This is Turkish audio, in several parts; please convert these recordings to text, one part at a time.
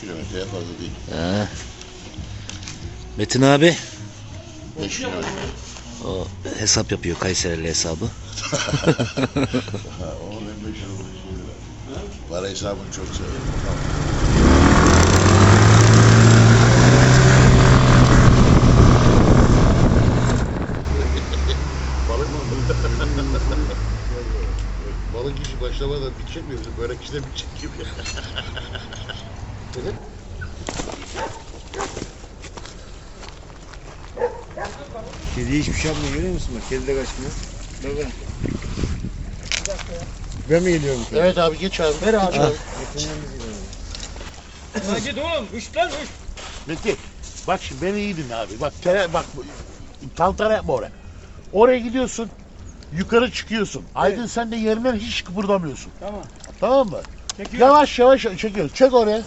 kilometreye fazla değil. He. Metin abi 5 kilometre. o hesap yapıyor, Kayserili hesabı. Onun en meşhur olduğu şey var. Para hesabını çok severim. Balık mı? Balık işi başlamadan bitecek mi? Börek işi de bitecek gibi. Kedi hiçbir şey yapmıyor, görüyor musun bak? Kedi de kaçmıyor. Baba. Ben mi geliyorum? Evet abi geç abi. Ver abi. Geç abi. Git oğlum, uç lan uç. Metin, bak şimdi beni iyi dinle abi. Bak bak tantara yapma oraya. Oraya gidiyorsun. Yukarı çıkıyorsun. Aydın sen de yerinden hiç kıpırdamıyorsun. Tamam. Tamam mı? Çekiyorum. Yavaş yavaş çekiyoruz. Çek oraya.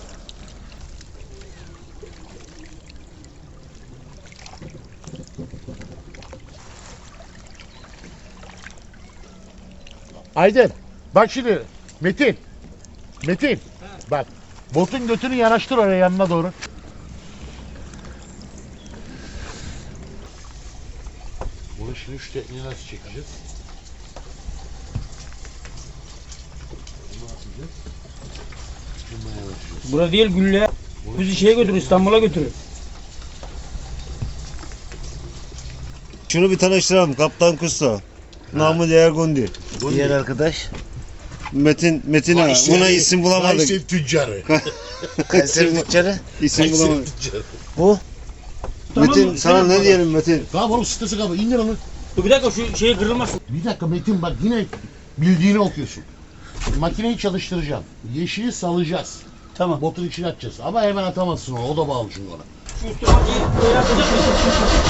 Aydın, bak şimdi Metin. Metin, bak botun götünü yanaştır oraya yanına doğru. Bunu şimdi şu tekniği nasıl çekeceğiz? Bunu atacağız. Bunu yanaştıracağız. Bura değil Gülle. Bizi şeye götür, İstanbul'a götürür. Şunu bir tanıştıralım. Kaptan Kusto. Namı değer Gundi. Diğer arkadaş Metin ağa. Buna isim bulamadık. Kayseri tüccarı. Kayseri tüccarı. İsim bulamadık. tüccarı. Bu Metin sana ne diyelim Metin? Tamam oğlum sitesi kapı. İndir onu. Dur bir dakika şu şeye kırılmasın. Bir dakika Metin bak yine bildiğini okuyorsun. Makineyi çalıştıracağım. Yeşili salacağız. Tamam. Botun içine atacağız. Ama hemen atamazsın onu. O da bağlı çünkü ona. Şu üstüne yapacak mısın?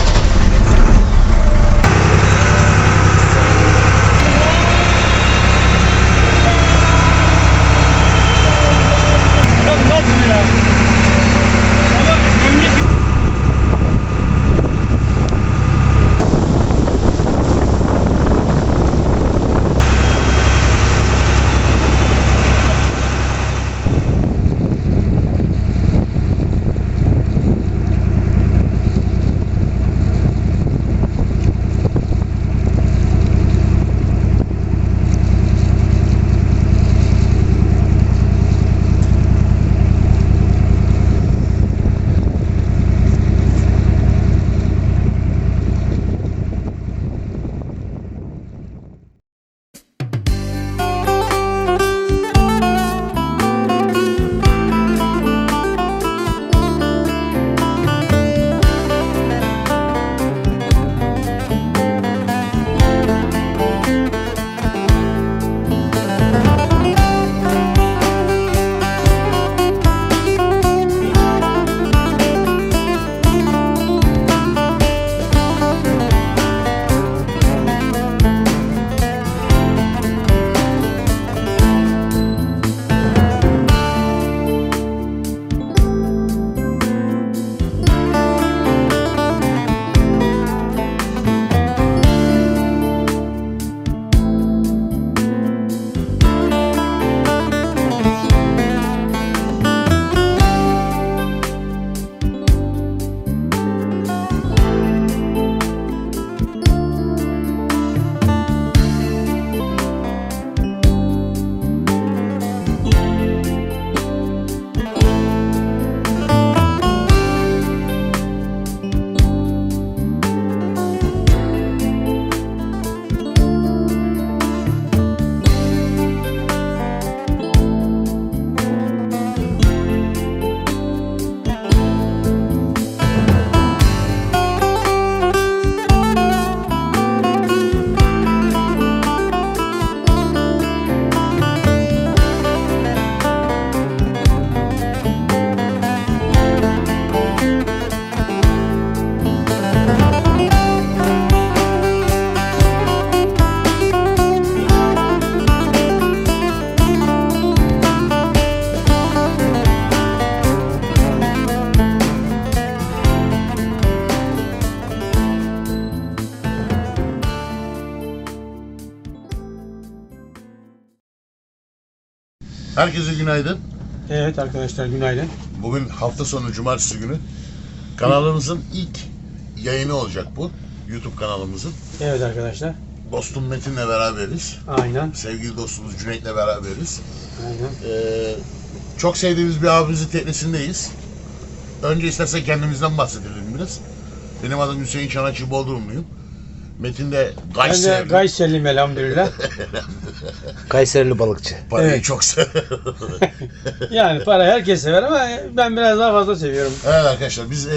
Herkese günaydın. Evet arkadaşlar günaydın. Bugün hafta sonu cumartesi günü kanalımızın ilk yayını olacak bu. YouTube kanalımızın. Evet arkadaşlar. Dostum Metin'le beraberiz. Aynen. Sevgili dostumuz Cüneyt'le beraberiz. Aynen. Çok sevdiğimiz bir abimizin teknesindeyiz. Önce istersen kendimizden bahsedelim biraz. Benim adım Hüseyin Çanakçı, Bodrumluyum. Metin de Ben de Kayseri. Gayserliyim elhamdülillah. Kayserili balıkçı. Parayı Evet. çok sever. Yani para herkes sever ama ben biraz daha fazla seviyorum. Evet arkadaşlar biz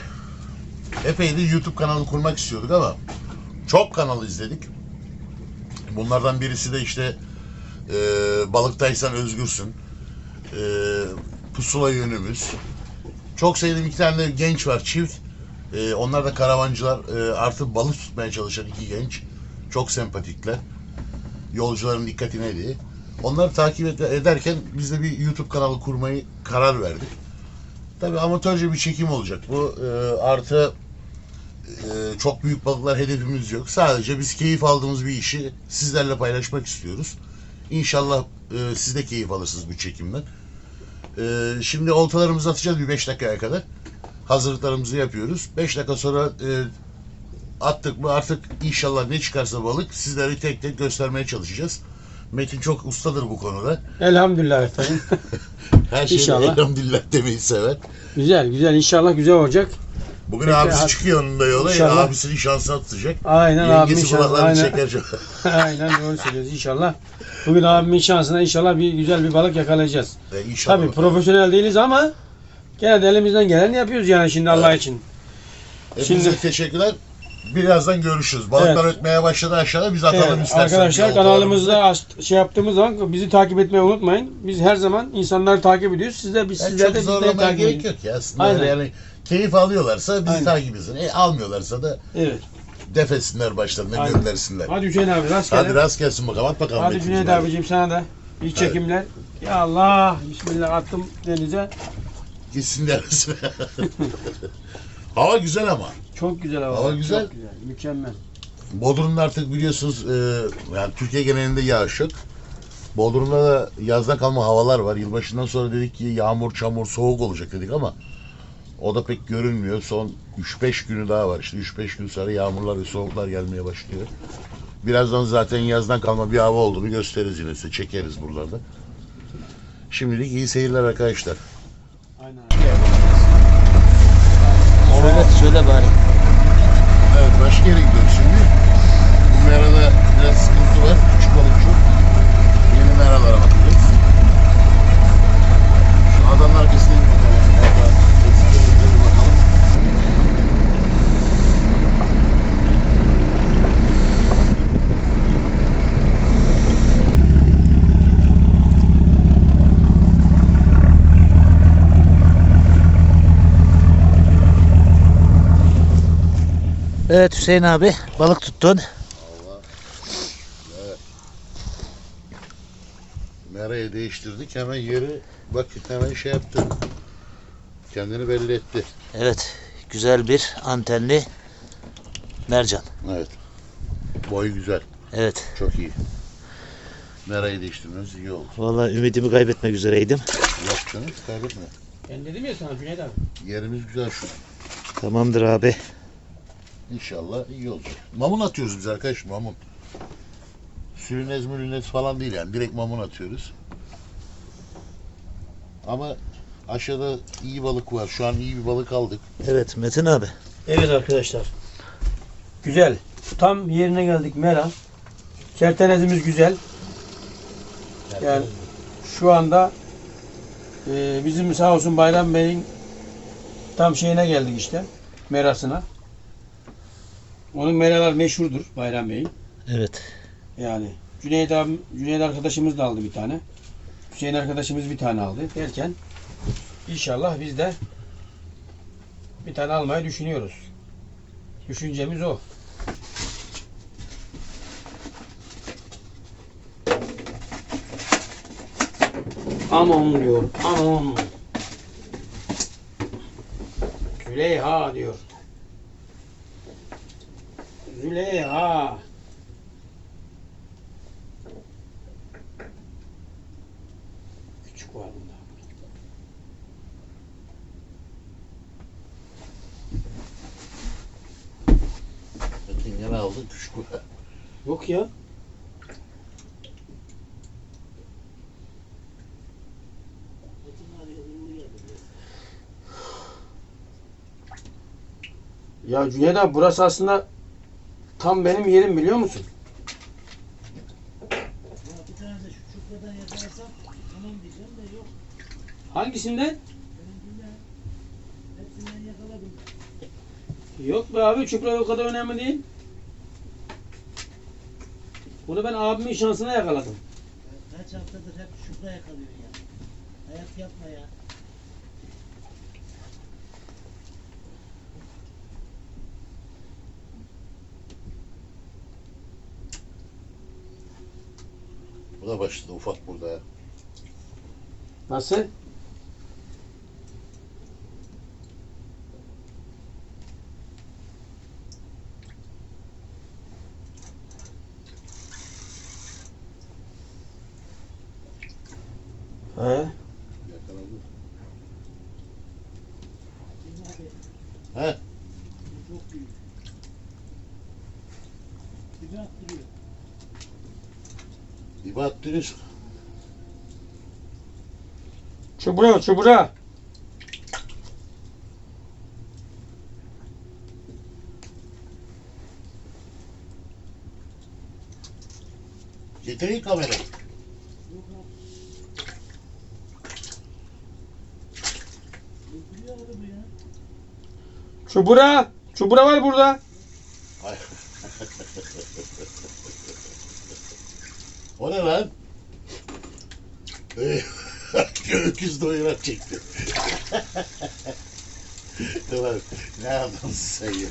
epeydir YouTube kanalı kurmak istiyorduk ama çok kanal izledik. Bunlardan birisi de işte Balıktaysan Özgürsün, Pusula Yönümüz. Çok sevdiğim iki tane de genç var, çift. Onlar da karavancılar, artık balık tutmaya çalışan iki genç. Çok sempatikler. Yolcuların dikkatine diye. Onları takip ederken biz de bir YouTube kanalı kurmayı karar verdik. Tabii amatörce bir çekim olacak bu. Artı çok büyük balıklar hedefimiz yok. Sadece biz keyif aldığımız bir işi sizlerle paylaşmak istiyoruz. İnşallah siz de keyif alırsınız bu çekimden. Şimdi oltalarımızı atacağız bir 5 dakikaya kadar. Hazırlıklarımızı yapıyoruz. 5 dakika sonra attık mı artık inşallah ne çıkarsa balık sizlere tek tek göstermeye çalışacağız. Metin çok ustadır bu konuda. Elhamdülillah efendim. Her şeyde İnşallah. elhamdülillah demeyi sever. Güzel güzel inşallah güzel olacak. Bugün Peki, abisi hadi. çıkıyor onun da yola. İnşallah. Abisinin şansını atacak. Aynen abimin Yengesi şansı. kulaklarını Aynen. çeker çok. Aynen doğru söylüyoruz inşallah. Bugün abimin şansına inşallah bir güzel bir balık yakalayacağız. İnşallah. Tabii profesyonel değiliz ama gene de elimizden geleni yapıyoruz yani şimdi Allah için. Hepinize Şimdi- teşekkürler. Birazdan görüşürüz. Balıklar Evet. ötmeye başladı aşağıda. Biz atalım Evet, isterseniz. arkadaşlar bir kanalımızda şey yaptığımız zaman bizi takip etmeyi unutmayın. Biz her zaman insanları takip ediyoruz. Sizler Yani sizler de çok bizleri zorlamaya takip gerek edin. yok ya aslında. Aynen. Yani keyif alıyorlarsa bizi Aynen. takip etsin. Almıyorlarsa da Evet. defetsinler başlarına Aynen. göndersinler. Hadi Hüseyin abi rastgele. Hadi rast gelsin bakalım. At bakalım. Hadi Metin'cim, Cüneyt abicim sana da iyi çekimler. Ya Allah bismillah attım denize. Gitsin dersin. Hava güzel ama. Çok güzel hava. Hava güzel. Çok güzel. Mükemmel. Bodrum'da artık biliyorsunuz yani Türkiye genelinde yağış yok. Bodrum'da da yazdan kalma havalar var. Yılbaşından sonra dedik ki yağmur, çamur, soğuk olacak dedik ama o da pek görünmüyor. Son 3-5 günü daha var. İşte 3-5 gün sonra yağmurlar ve soğuklar gelmeye başlıyor. Birazdan zaten yazdan kalma bir hava olduğunu gösteririz yine size. Çekeriz buralarda. Şimdilik iyi seyirler arkadaşlar. Aynen. Evet söyle bari. Evet başka yere gidiyoruz şimdi. Bu merada biraz sıkıntı var. Küçük balık çok. Yeni meralara bakacağız. Şu adanın arkasına bir bakalım. Orada eksiklerimize bir bakalım. Evet Hüseyin abi balık tuttun. Merayı değiştirdik. Hemen yeri bak hemen şey yaptı. Kendini belli etti. Evet güzel bir antenli mercan. Evet. Boyu güzel. Evet. Çok iyi. Merayı değiştirmemiz iyi oldu. Vallahi ümidimi kaybetmek üzereydim. Yok canım kaybetme. Ben dedim ya sana Cüneyt abi. Yerimiz güzel şu. Tamamdır abi. İnşallah iyi olacak. Mamun atıyoruz biz arkadaş, mamun. Sülünez mülünez falan değil yani. Direkt mamun atıyoruz. Ama aşağıda iyi balık var. Şu an iyi bir balık aldık. Evet Metin abi. Evet arkadaşlar. Güzel. Tam yerine geldik Mera. Kertenezimiz güzel. Yani şu anda bizim sağ olsun Bayram Bey'in tam şeyine geldik işte. Merasına. Onun meralar meşhurdur Bayram Bey'in. Evet. Yani Cüneyt arkadaşımız da aldı bir tane. Hüseyin arkadaşımız bir tane aldı derken inşallah biz de bir tane almayı düşünüyoruz. Düşüncemiz o. Anon diyor. Anon. Züleyha diyor. Züleyha. Küçük var bunda. aldın küçük kura. Yok ya. Ya Cüneyt abi burası aslında tam benim yerim biliyor musun? Bir tane de şu çupradan yakalasam tamam diyeceğim de yok. Hangisinden? Benimkinden hepsinden yakaladım. Yok be abi çupra o kadar önemli değil. Bunu ben abimin şansına yakaladım. Kaç haftadır hep çupra yakalıyor ya. Hayat yapma ya. Bu da başladı ufak burada ya. Nasıl? He? Yakaladı. He? Bu çok büyük. Dibe attırıyor. Dibe attırıyorsun. Çubura, çubura. Getireyim kamerayı. Yok abi. Öldürüyor abi bu ya. Çubura. Çubura var burada. Ay. O ne lan? Öküz doyurak çekti. Tamam. Ne adamsın sen ya?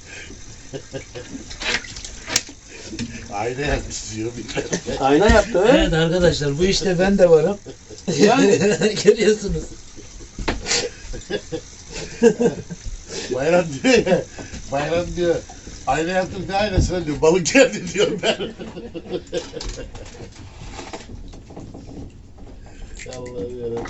Ayna yapmış diyor bir tane. Ayna yaptı. he? Evet arkadaşlar bu işte ben de varım. Yani. Görüyorsunuz. Bayram diyor ya. Bayram diyor. Ayna yaptım ne aynasına diyor. Balık geldi diyor ben. Allah'ım yarabbim.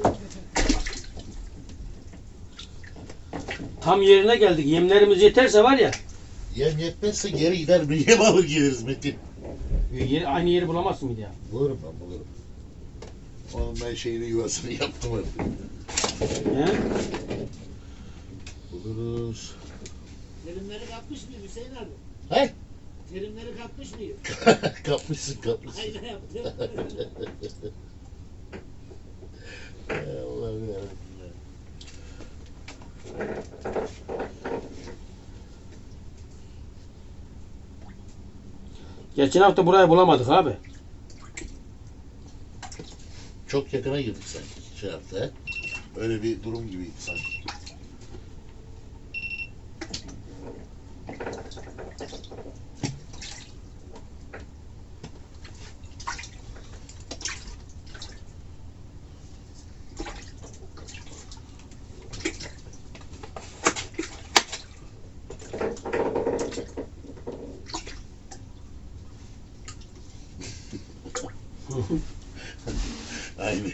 Tam yerine geldik. Yemlerimiz yeterse var ya. Yem yetmezse geri gider bir yem alır geliriz Metin. Aynı yeri bulamazsın bir daha. Bulurum ben bulurum. Onun ben şeyini yuvasını yaptım artık. He? Buluruz. Terimleri kapmış mıyım Hüseyin abi? He? Terimleri kapmış mıyım? Kapmışsın kapmışsın. Ayna yaptım. Allah'ım yarabbim. Geçen hafta burayı bulamadık abi. Çok yakına girdik sanki şey yaptı he. Öyle bir durum gibiydi sanki. Aynı.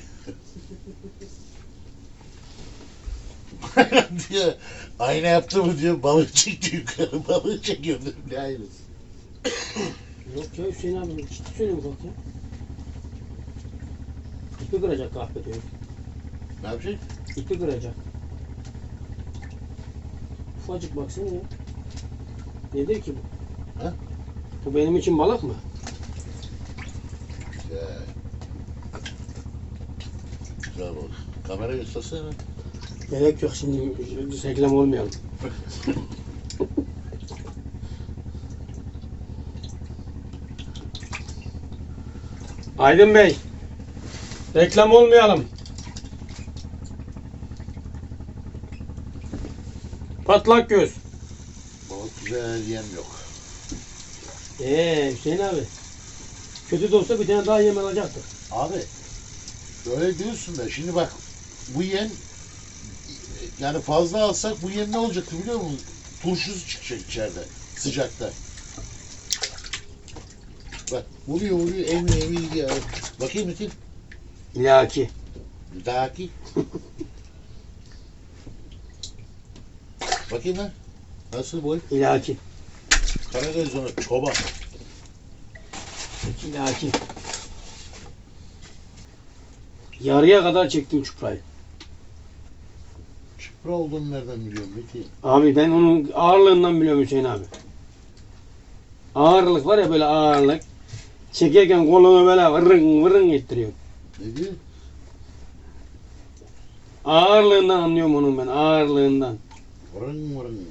diyor, ayna yaptı mı diyor, balık çekti yukarı, balık çekiyor dedim, ne aynısı. Yok ya Hüseyin abi ciddi söylüyorum bak ya. İpi kıracak kahpe diyor. Ne yapacak? İpi kıracak. Ufacık baksana ya. Nedir ki bu? Ha? Bu benim için balık mı? Güzel. Güzel balık. Kamera göstersene. Gerek yok şimdi reklam olmayalım. Aydın Bey. Reklam olmayalım. Patlak göz. Balık güzel, yem yok. Hüseyin abi. Kötü de olsa bir tane daha yem alacaktık. Abi, öyle diyorsun da şimdi bak, bu yem, yani fazla alsak bu yem ne olacaktı biliyor musun? Turşusu çıkacak içeride, sıcakta. Bak, vuruyor, emiyor gidiyor. Bakayım Metin. İlaki. Bir dahaki. Bakayım lan. Nasıl boy? İlaki. Karagöz onu çoban. Şimdi hakim. Yarıya kadar çektim çuprayı. Çıpra olduğunu nereden biliyorum Metin? Abi ben onun ağırlığından biliyorum Hüseyin abi. Ağırlık var ya böyle ağırlık. Çekerken kolunu böyle vırın vırın ettiriyor. Ne diyor? Ağırlığından anlıyorum onun ben, ağırlığından. Vırın vırın.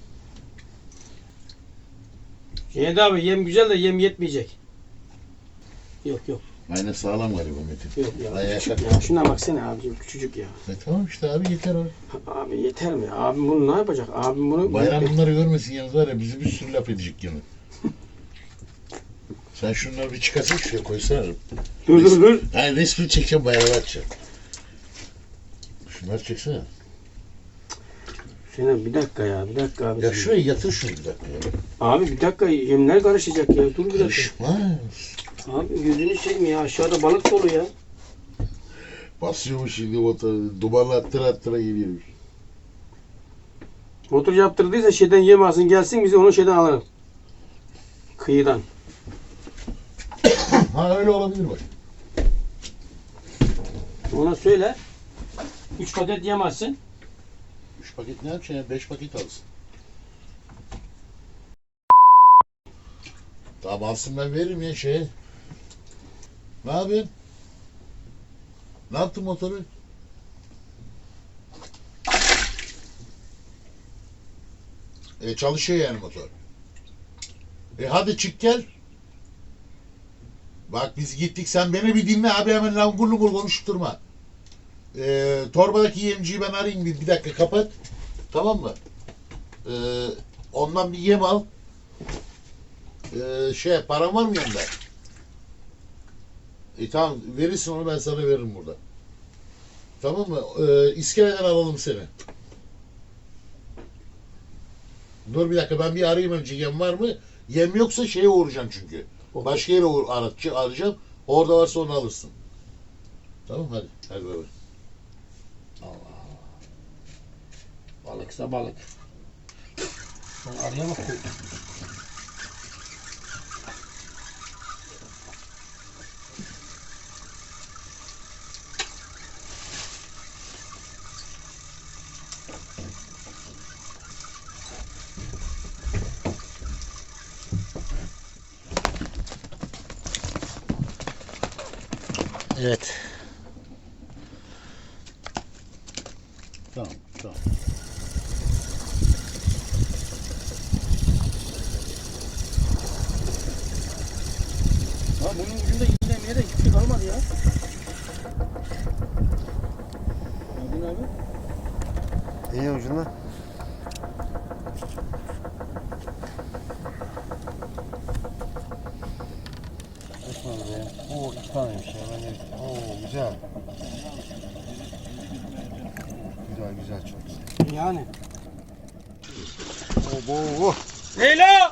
Cüneyt abi yem güzel de yem yetmeyecek. Yok yok Aynen sağlam galiba Metin. yok ya. Ayağa Küçük kalk. ya. Şuna baksana abicim küçücük ya. Tamam işte abi yeter o. Abi yeter mi? Abim bunu ne yapacak? Abim bunu... Bayram bunları görmesin yalnız var ya bizi bir sürü laf edecek yine. Sen şunları bir çıkarsana şuraya koysana. Dur. Hayır resmi çekeceğim bayrama atacağım. Şunları çeksene. Hüseyin abi bir dakika ya, bir dakika abi. Ya şuraya yatır şunu bir dakika ya. Abi bir dakika yemler karışacak ya. Dur bir dakika. Karışmaz. Abi gözünü seveyim ya. Aşağıda balık dolu ya. Basıyormuş şimdi motoru. Dumanla attıra geliyormuş. Motor yaptırdıysa şeyden yem alsın gelsin bizi onu şeyden alırım. Kıyıdan. Ha öyle olabilir bak. Ona söyle. 3 paket yem alsın. 3 paket ne yapacaksın ya? 5 paket alsın. Tamam alsın ben veririm ya şeye. Ne yapıyorsun? Ne yaptın motoru? Çalışıyor yani motor. Hadi çık gel. Bak biz gittik sen beni bir dinle abi hemen langur lungur konuşup durma. Torbadaki yemciyi ben arayayım bir dakika kapat. Tamam mı? Ondan bir yem al. Param var mı yanında? Tamam verirsin onu ben sana veririm burada. Tamam mı? İskeleden alalım seni. Dur bir dakika ben bir arayayım önce yem var mı? Yem yoksa şeye uğrayacağım çünkü. Başka yere arayacağım. Orada varsa onu alırsın. Tamam hadi. Hadi bay bay. Balıksa balık. Sen araya bak. Evet. Tamam. Ha bunun ucunda iğnemeye de hiçbir şey kalmadı ya. Gördün abi. İyi ucunda. Oo iki taneymiş ya. Oo güzel. Güzel çok güzel. Yani. Oo. Leyla!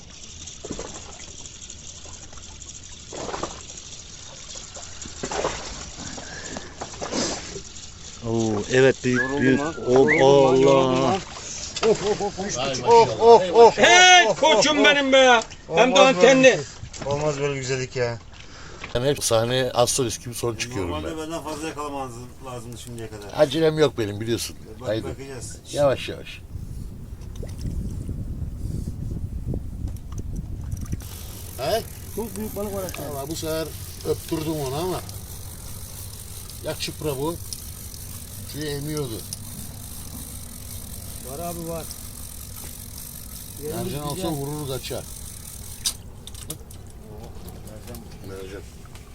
Oo, evet büyük. Allah. Hey koçum benim be! Hem de antenli. Olmaz böyle güzellik ya. Ben hep sahneye astrolist gibi son çıkıyorum ben. Normalde benden fazla yakalamanız lazımdı şimdiye kadar. Acelem yok benim biliyorsun. Haydi. Bakacağız. Yavaş yavaş. He? Çok büyük balık var aşağıda. Valla bu sefer öptürdüm onu ama. Ya çıpra bu. Şuraya emiyordu. Var abi var. Mercan olsa vurur kaçar. Mercan.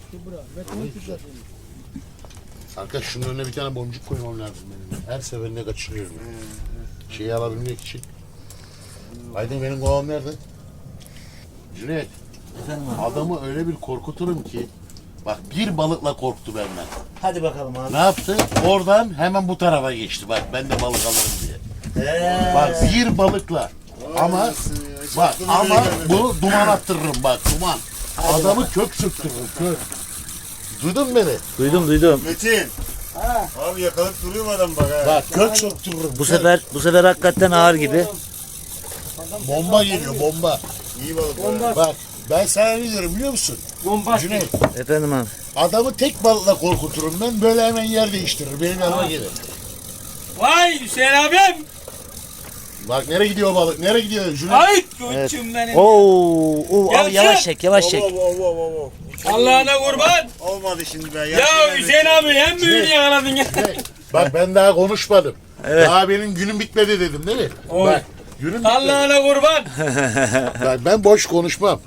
Arkadaş şunun önüne bir tane boncuk koymam lazım benim. Her seferinde kaçırıyorum. Şeyi alabilmek için. Aydın benim kovam nerede? Cüneyt. Adamı öyle bir korkuturum ki. Bak bir balıkla korktu benden. Hadi bakalım abi. Ne yaptı? Oradan hemen bu tarafa geçti. Bak ben de balık alırım diye. Bak bir balıkla. Ama bak ama bunu duman attırırım bak duman. Adamı kök söktürürüm kök. Duydun mu beni? Duydum. Metin. Abi yakalayıp duruyor mu adam bak ha? Bak kök söktürürüm. Bu sefer hakikaten ağır gibi. Bomba geliyor bomba. İyi balık. Bomba. Bak ben sana ne diyorum biliyor musun? Bomba. Cüneyt, Efendim abi. adamı tek balıkla korkuturum ben. Böyle hemen yer değiştirir. Benim yanıma gelir. Vay Hüseyin abim. Bak nereye gidiyor balık? Nereye gidiyor Cüneyt? Ay koçum benim. Oo, Ya abi yavaş çek, yavaş çek. Allah'ına kurban. Olmadı şimdi be. Ya Hüseyin abi en büyüğünü yakaladın ya. Bak ben daha konuşmadım. Evet. Daha benim günüm bitmedi dedim değil mi? Oy. Bak günüm bitmedi. Allah'ına kurban. Bak, ben boş konuşmam.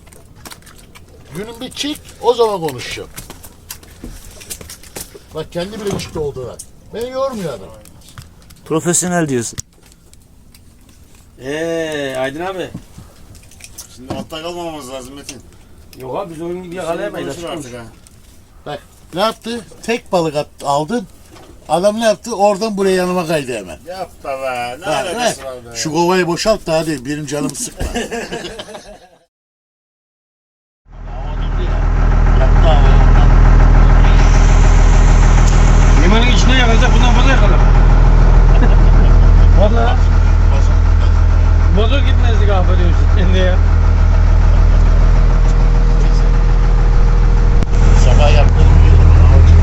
Günüm bitecek o zaman konuşacağım. Bak kendi bile çıktı oldu. Beni yormuyor adam. Profesyonel diyorsun. Aydın abi. Şimdi altta kalmamamız lazım Metin. Yok abi biz oyun gibi yakalayamayız. Konuşur artık ha. Bak ne yaptı? Tek balık aldın. Adam ne yaptı? Oradan buraya yanıma kaydı hemen. Yapma be. Ne Bak, alakası bak, var be. şu kovayı boşalt da hadi benim canımı sıkma. Limanın içine yakalayacak bundan fazla yakalar. Valla. Bozuk gitmezdik abi diyorsun kendi ya. Sabah yaptığını biliyorum.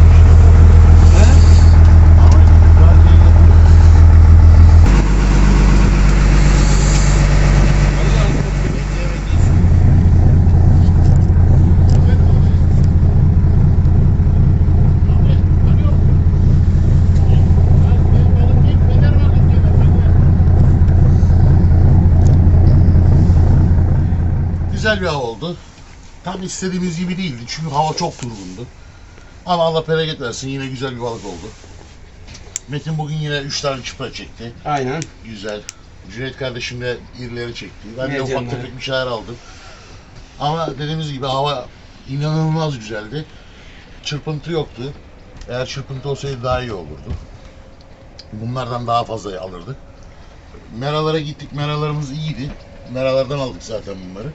Güzel bir hava oldu. Tam istediğimiz gibi değildi çünkü hava çok durgundu. Ama Allah bereket versin yine güzel bir balık oldu. Metin bugün yine 3 tane çıpra çekti. Aynen. Güzel. Cüneyt kardeşim de irileri çekti. Ben de ufak Mercanları. tefek bir şeyler aldım. Ama dediğimiz gibi hava inanılmaz güzeldi. Çırpıntı yoktu. Eğer çırpıntı olsaydı daha iyi olurdu. Bunlardan daha fazla alırdık. Meralara gittik. Meralarımız iyiydi. Meralardan aldık zaten bunları.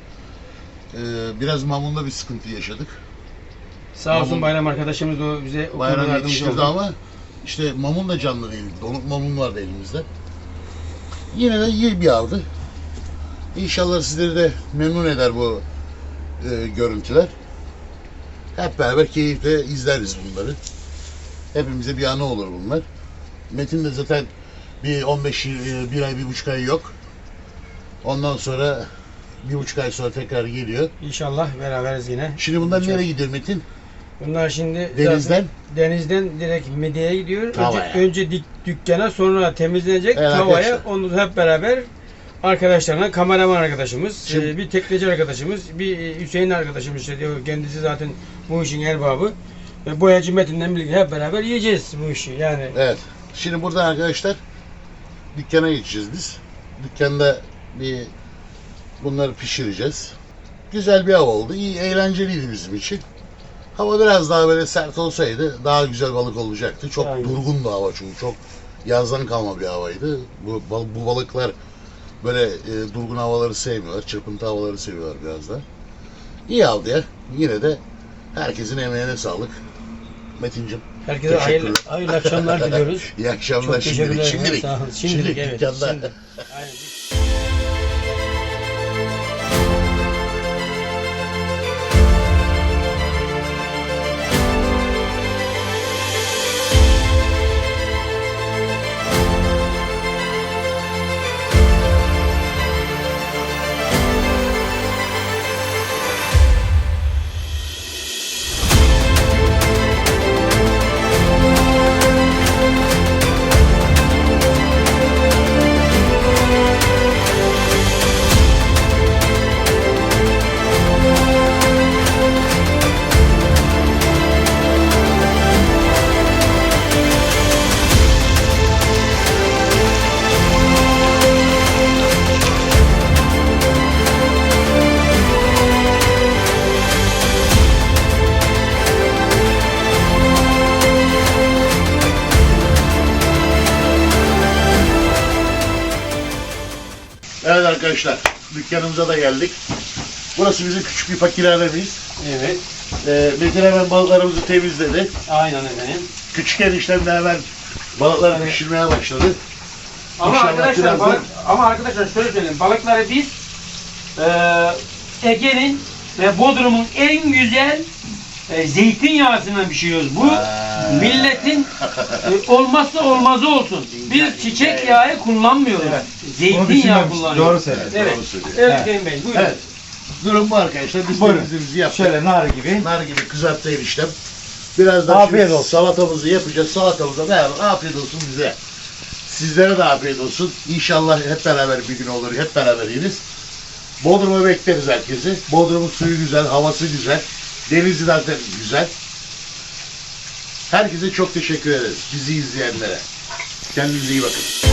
Biraz mamunda bir sıkıntı yaşadık. Sağ olsun Mamun- Bayram arkadaşımız da o bize o konuda Bayram yardımcı yetiştirdi oldu. ama işte mamun da canlı değildi. Donuk mamun vardı elimizde. Yine de iyi bir avdı. İnşallah sizleri de memnun eder bu görüntüler. Hep beraber keyifle izleriz bunları. Hepimize bir anı olur bunlar. Metin de zaten bir 15 bir ay, 1,5 ay yok. Ondan sonra 1,5 ay sonra tekrar geliyor. İnşallah beraberiz yine. Şimdi bunlar nereye gidiyor Metin? Bunlar şimdi Denizden? zaten denizden direkt midyeye gidiyor. Tavaya. Önce dükkana sonra temizlenecek Evet, tavaya. arkadaşlar. Onu hep beraber arkadaşlarına, kameraman arkadaşımız, Şimdi- bir tekneci arkadaşımız, bir Hüseyin arkadaşımız işte diyor. Kendisi zaten bu işin erbabı. Ve boyacı Metin'le birlikte hep beraber yiyeceğiz bu işi yani. Evet. Şimdi buradan arkadaşlar dükkana geçeceğiz biz. Dükkanda bir bunları pişireceğiz. Güzel bir hava oldu. İyi, eğlenceliydi bizim için. Hava biraz daha böyle sert olsaydı daha güzel balık olacaktı. Çok Aynen. durgundu hava çünkü. Çok yazdan kalma bir havaydı. Bu balıklar böyle durgun havaları sevmiyorlar. Çırpıntı havaları seviyorlar biraz da. İyi aldı ya. Yine de herkesin emeğine sağlık. Metin'cim. Herkese hayırlı, hayırlı akşamlar diliyoruz. İyi akşamlar Çok teşekkürler. şimdilik. Şimdilik. Sağ olun. Şimdilik, evet. dükkanda. Şimdi. Aynen. Evet arkadaşlar, dükkanımıza da geldik. Burası bizim küçük bir fakirhanemiz. Evet. Metin hemen balıklarımızı temizledi. Aynen efendim. Küçük eniştem de hemen balıkları Evet. pişirmeye başladı. Ama İnşallah arkadaşlar, birazdan- ama arkadaşlar şöyle söyleyeyim. Balıkları biz Ege'nin ve Bodrum'un en güzel zeytinyağısından pişiriyoruz. Bu milletin olmazsa olmazı olsun. Biz çiçek yağı kullanmıyoruz. Zeytinyağı kullanıyoruz. Doğru söylüyorsun. Evet. Doğru söylüyor. Evet Hüseyin Bey, buyurun. Evet. Durum bu arkadaşlar. Biz Buyurun. temizliğimizi yaptık. Şöyle nar gibi. Nar gibi kızarttı eniştem. Birazdan Afiyet şimdi olsun. salatamızı yapacağız. Salatamıza beraber afiyet olsun bize. Sizlere de afiyet olsun. İnşallah hep beraber bir gün olur. Hep beraber yeriz. Bodrum'a bekleriz herkesi. Bodrum'un suyu güzel, havası güzel. Denizi zaten güzel. Herkese çok teşekkür ederiz. Bizi izleyenlere. Kendinize iyi bakın.